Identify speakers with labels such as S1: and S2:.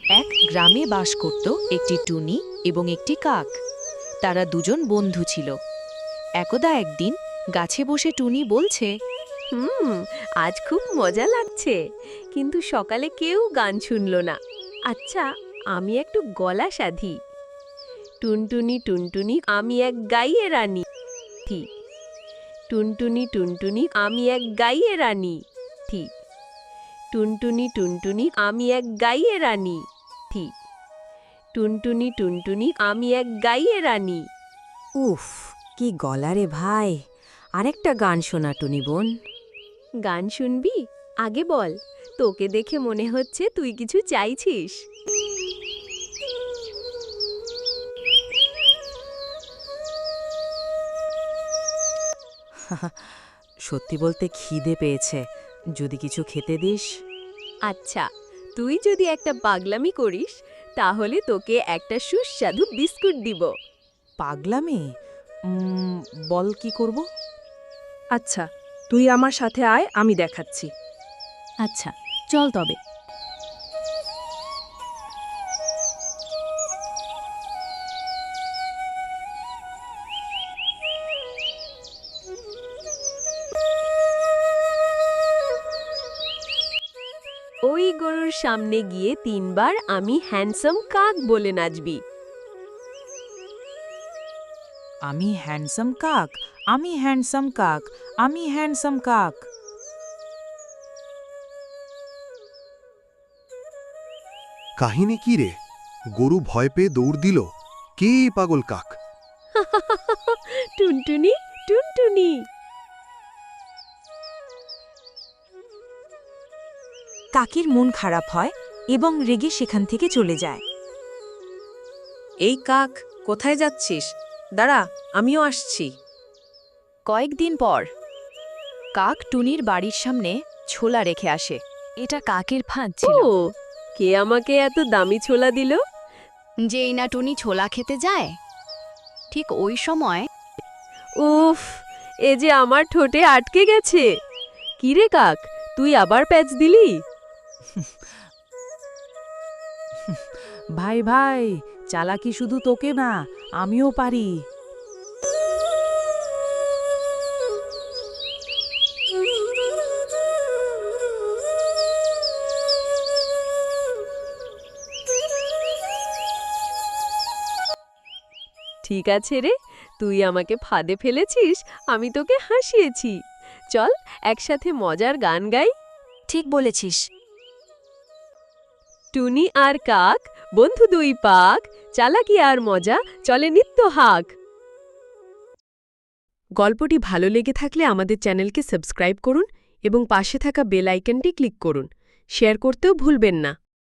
S1: এক গ্রামে বাস করত একটি টুনি এবং একটি কাক। তারা দুজন বন্ধু ছিল। একদা একদিন গাছে বসে টুনি বলছে,
S2: আজ খুব মজা লাগছে, কিন্তু সকালে কেউ গান শুনল না। আচ্ছা, আমি একটু গলা সাধি। টুনটুনি টুনটুনি আমি এক গাইয়ে রানী। টুনটুনি টুনটুনি আমি এক গাইয়ে রানী। টুনটুনি টুনটুনি আমি এক গাইয়ে রানী। টুনটুনি টুনটুনি আমি এক গাইয়ে রানী।
S3: উফ, কি গলা রে ভাই! আরেকটা গান শোনা টুনি বোন।
S2: গান শুনবি? আগে বল, তোকে দেখে মনে হচ্ছে তুই কিছু চাইছিস।
S3: সত্যি বলতে খিদে পেয়েছে, যদি কিছু খেতে দিস।
S2: আচ্ছা, তুই যদি একটা পাগলামি করিস তাহলে তোকে একটা সুস্বাদু বিস্কুট দিব।
S3: পাগলামি? বল কি করব?
S4: আচ্ছা, তুই আমার সাথে আয়, আমি দেখাচ্ছি।
S1: আচ্ছা চল তবে।
S2: ওই গরুর সামনে গিয়ে 3 বার আমি হ্যান্ডসাম কাক বলে নাচবি।
S3: আমি হ্যান্ডসাম কাক, আমি হ্যান্ডসাম কাক, আমি হ্যান্ডসাম কাক।
S5: কাহিনী কি রে? গরু ভয় পেয়ে দৌড় দিল। কে এই পাগল কাক?
S2: টুনটুনি টুনটুনি।
S3: কাকের মন খারাপ হয় এবং রেগে সেখান থেকে চলে যায়।
S4: এই কাক, কোথায় যাচ্ছিস? দাঁড়া, আমিও আসছি।
S1: কয়েকদিন পর কাক টুনির বাড়ির সামনে ছোলা রেখে আসে। এটা কাকের ফাঁদ ছিল।
S2: ও, কে আমাকে এত দামি ছোলা দিল?
S1: যেই না টুনি ছোলা খেতে যায়, ঠিক ওই সময়
S2: উফ, এ যে আমার ঠোঁটে আটকে গেছে। কি রে কাক, তুই আবার প্যাচ দিলি?
S3: ভাই ভাই, চালাকি শুধু তোকে না, আমিও পারি।
S2: ঠিক আছে রে, তুই আমাকে ফাঁদে ফেলেছিস, আমি তোকে হাসিয়েছি। চল একসাথে মজার গান গাই।
S1: ঠিক বলেছিস।
S2: টুনি আর কাক, বন্ধু দুই পাক, চালাকি আর মজা, চলে নিত্য হাক। গল্পটি ভালো লেগে থাকলে আমাদের চ্যানেলকে সাবস্ক্রাইব করুন এবং পাশে থাকা বেল আইকনটি ক্লিক করুন। শেয়ার করতেও ভুলবেন না।